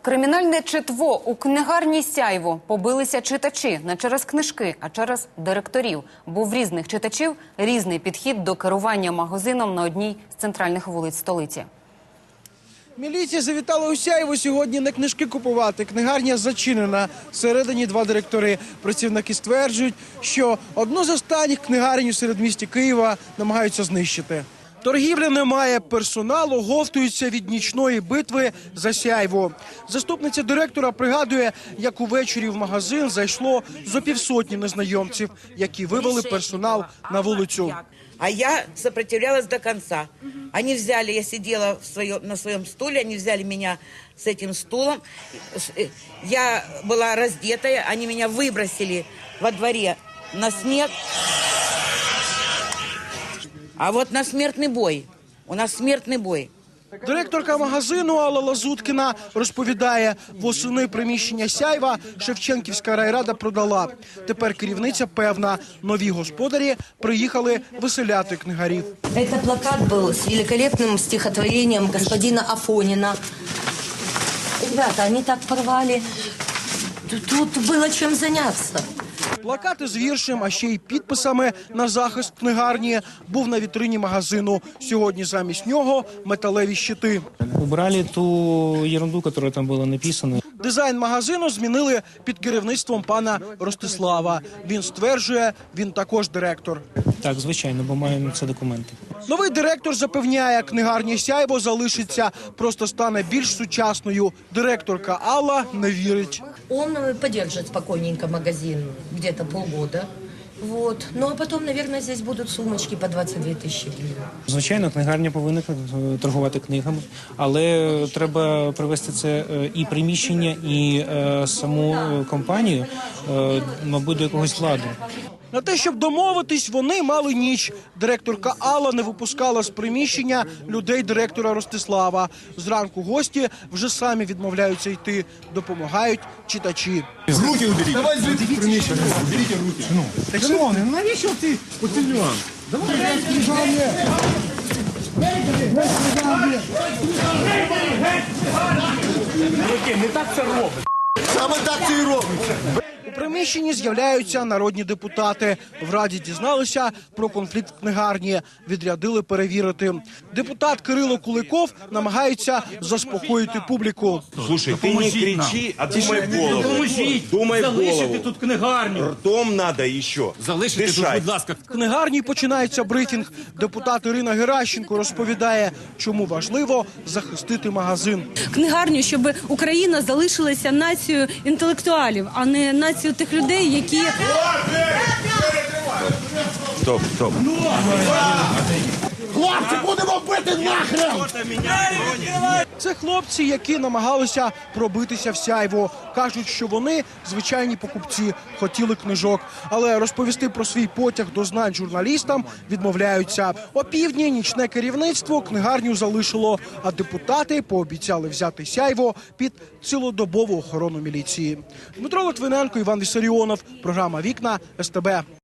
Кримінальне читво у книгарні «Сяйво» побилися читачі не через книжки, а через директорів. Бо в різних читачів різний підхід до керування магазином на одній з центральних вулиць столиці. Міліція завітала у Сяйво сьогодні не книжки купувати. Книгарня зачинена. Всередині два директори. Працівники стверджують, що одну з останніх книгарень у середмісті Києва намагаються знищити. Торгівлі немає, персоналу говтуються від нічної битви за Сяйво. Заступниця директора пригадує, як увечері в магазин зайшло зо півсотні незнайомців, які вивели персонал на вулицю. А я сопротивлялась до конца. Они взяли, я сидела на своем стуле, они взяли меня с этим стулом. Я была раздетая, они меня выбросили во дворе на снег. А вот на смертный бой. У нас смертный бой. Директорка магазину Алла Лазуткіна розповідає, восени приміщення Сяйва Шевченківська райрада продала. Тепер керівниця певна, нові господарі приїхали виселяти книгарів. Це плакат був з великолепним стихотворенням господина Афоніна. Ребята, вони так порвали. Тут було чим зайнятися. Плакати з віршем, а ще й підписами на захист книгарні був на вітрині магазину. Сьогодні замість нього металеві щити. Убрали ту ерунду, яка там була написана. Дизайн магазину змінили під керівництвом пана Ростислава. Він стверджує, він також директор. Так, звичайно, бо маємо це документи. Новий директор запевняє, книгарня «Сяйво» залишиться, просто стане більш сучасною. Директорка Алла не вірить. Он поддержит спокойненько магазин где-то полгода. Вот. Ну а потом, наверное, здесь будут сумочки по 22 тисячі гривень. Звичайно, книгарня повинна торгувати книгами, але треба привести це і приміщення, і саму компанію, мабуть, до якогось ладу. На те, щоб домовитись, вони мали ніч. Директорка Алла не випускала з приміщення людей директора Ростислава. Зранку гості вже самі відмовляються йти. Допомагають читачі. Руки уберіть. Давай звідти приміщення. Уберіть руки. Так, шановний, навіщо ти оцей нюанс? Давай. Не так це робить. Саме так це і робить. У приміщенні з'являються народні депутати. В Раді дізналися про конфлікт в книгарні. Відрядили перевірити. Депутат Кирило Куликов намагається заспокоїти публіку. Слушай, ти не кричи, а думай в голову. Думай в голову. Залишити тут книгарню. Ртом надо ще. Залишити тут, будь ласка. В книгарні починається брифінг. Депутат Ірина Геращенко розповідає, чому важливо захистити магазин. Книгарню, щоб Україна залишилася нацією інтелектуалів, а не нацією тих людей, які... Стоп. Хлопці, будемо бити нахрен! Це хлопці, які намагалися пробитися в Сяйво. Кажуть, що вони звичайні покупці, хотіли книжок. Але розповісти про свій потяг до знань журналістам відмовляються. Опівдні нічне керівництво книгарню залишило, а депутати пообіцяли взяти Сяйво під цілодобову охорону міліції. Дмитро Литвиненко, Іван Віссаріонов. Програма «Вікна», СТБ.